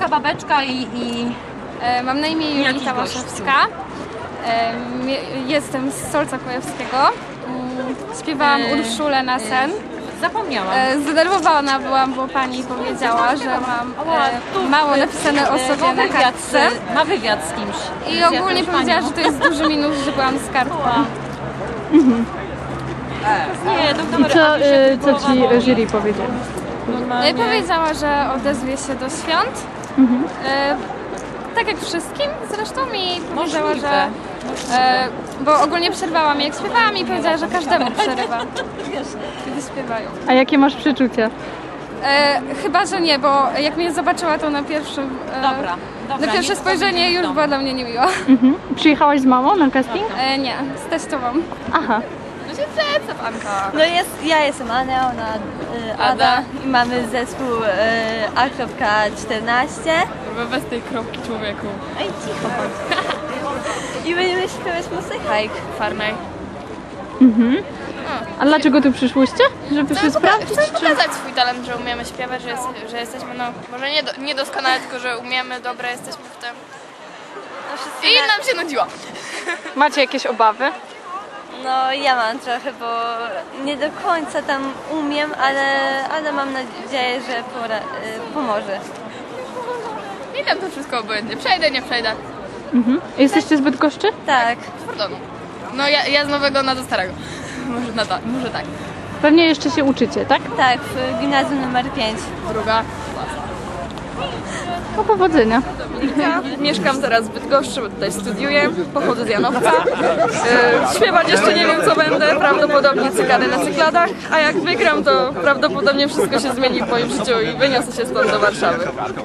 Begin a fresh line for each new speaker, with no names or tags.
Babeczka, babeczka i...
Mam na imię Julita Łaszewska. Jestem z Solca Kujawskiego. Śpiewałam Urszulę na sen.
Zapomniałam.
Zdenerwowana byłam, bo pani powiedziała, że mam mało napisane o sobie na kartce.
Ma wywiad z kimś.
I ogólnie powiedziała, że to jest duży minus, że byłam z kartką.
Nie,
I co ci jury powiedzieli?
Powiedziała, że odezwie się do świąt. Tak jak wszystkim zresztą i powiedziała, że... bo ogólnie przerwała mi jak śpiewałam i powiedziała, że każdemu przerywa, kiedy śpiewają.
A jakie masz przeczucia?
Chyba, że nie, bo jak mnie zobaczyła, to na pierwszym...
Dobra,
na pierwsze spojrzenie już była dla mnie niemiła.
Przyjechałaś z mamą na casting?
Nie, z teściową.
Aha.
No ja jestem Ania, ona Ada i mamy zespół A.14.
Bez tej kropki, człowieku.
Ej, cicho bądź. I będziemy śpiewać muzykę. Hike.
Farmej.
A dlaczego tu przyszłyście? Żeby się sprawdzić?
Chcemy pokazać swój talent, że umiemy śpiewać, że jesteśmy, no, może niedoskonale, tylko że umiemy, dobre jesteśmy w tym. I nam się nudziło.
Macie jakieś obawy?
No ja mam trochę, bo nie do końca tam umiem, ale mam nadzieję, że pomoże.
Nie wiem, to wszystko obojętnie. Przejdę, nie przejdę.
Jesteście z Bydgoszczy?
Tak.
Z Fordonu. No ja z nowego na do starego. Może tak.
Pewnie jeszcze się uczycie, tak?
Tak, w gimnazjum numer 5.
Druga.
No powodzenia.
Mieszkam teraz w Bydgoszczy, bo tutaj studiuję, pochodzę z Janowca. Śpiewać jeszcze nie wiem co będę, prawdopodobnie cykady na cykladach, a jak wygram to prawdopodobnie wszystko się zmieni w moim życiu i wyniosę się stąd do Warszawy.